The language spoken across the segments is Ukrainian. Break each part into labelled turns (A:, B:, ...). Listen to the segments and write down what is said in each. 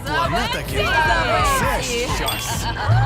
A: вона таки. Це щось.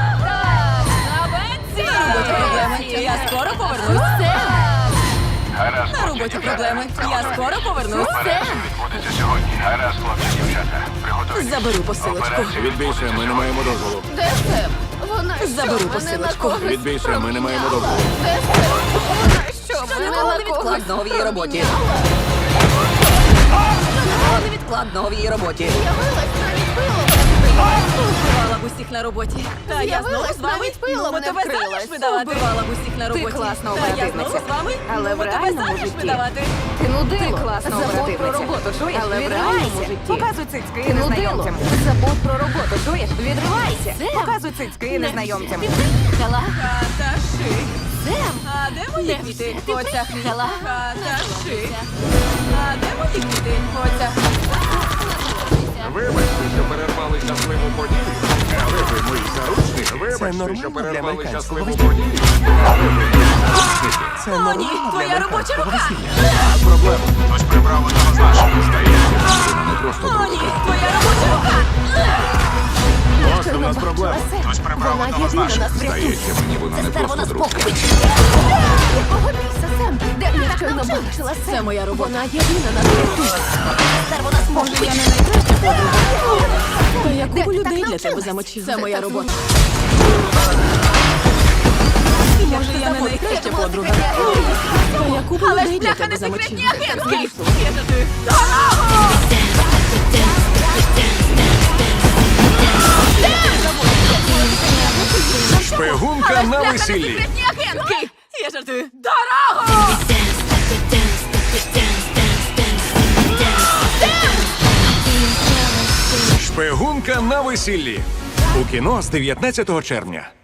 B: На роботі проблеми. Я скоро повернусь.
C: Гаразд,
B: На
C: хлопці,
B: роботі
C: дівчата.
B: проблеми. Я скоро повернусь.
C: Операція відбудеться сьогодні. Гаразд, хлопці, дівчата. Приготуйтесь.
B: Заберу посилочку.
C: Операція
D: Відбійся, ми не маємо дозволу.
E: Де Сем? Вона
B: Заберу
E: що, мене на
B: посилочку.
E: когось
D: Відбійся, ми не маємо
E: проміняла?
D: дозволу.
E: Де Сем? Вона що,
B: Що
E: мене
B: ніколи
E: на
B: не
E: когось
B: відкладного в її роботі.
E: проміняла?
B: Ніколи не відкладного в її роботі.
E: З'явилась, навіть пилом не вкрила.
B: Вбивала б усіх на роботі. Та я знову
E: З'явилась,
B: з вами.
E: навіть пилом
B: Ну,
E: не
B: тебе
E: вкрилась.
B: заміж видавати. Вбивала б усіх на роботі.
F: класна
B: Та я
F: оперативниця.
B: знову з вами.
F: Але
B: Ну,
F: в
B: тебе
F: реальному
B: заміж
F: житті.
B: видавати.
E: Ти нудило.
F: Класна
E: Забудь про
F: оперативниця.
E: роботу, чуєш?
F: Але в реальному
E: Відривайся.
F: житті. Показуй цицьки
E: Ти
F: і
E: нудило.
F: незнайомцям.
E: Забудь про роботу, чуєш? Відривайся.
F: Показуй цицьки і незнайомцям.
B: Хаташи. А де мої квіти? Оця хвіла. Хаташи. А де мої квіти? Оця.
D: Вибачте, що перервали щасливу подію. Але ви мої заручники. Вибачте,
A: нормально
D: що
A: для
D: перервали
A: американського
D: щасливу
A: весілля.
D: подію. Але ви мої заручники.
A: Це
B: О, ні,
A: нормально для
B: твоя робоча
A: американського
B: рука.
A: весілля.
D: Проблема.
C: Хтось прибрав одного з наших.
D: Здається, вона не просто
B: О, ні,
D: друга.
B: твоя робоча рука.
D: Ось у нас проблема.
C: Хтось прибрав
E: Вона
C: одного з
E: єдина
C: наших.
E: нас врятує.
D: Здається, мені вона не просто друга.
E: Якого біса, Сем? Де я щойно бачила Сем?
B: Це моя робота.
E: Вона єдина нас врятує.
B: Може, я не найкраща подруга. Та я купу людей для тебе замочила. Це моя робота. І може, я не найкраща подруга. Та я купу людей для тебе замочила. Слухайте,
D: Шпигунка на весіллі.
B: секретні агентки! Я жартую. Дорогу!
D: Шпигунка на весіллі. У кіно з 19 червня.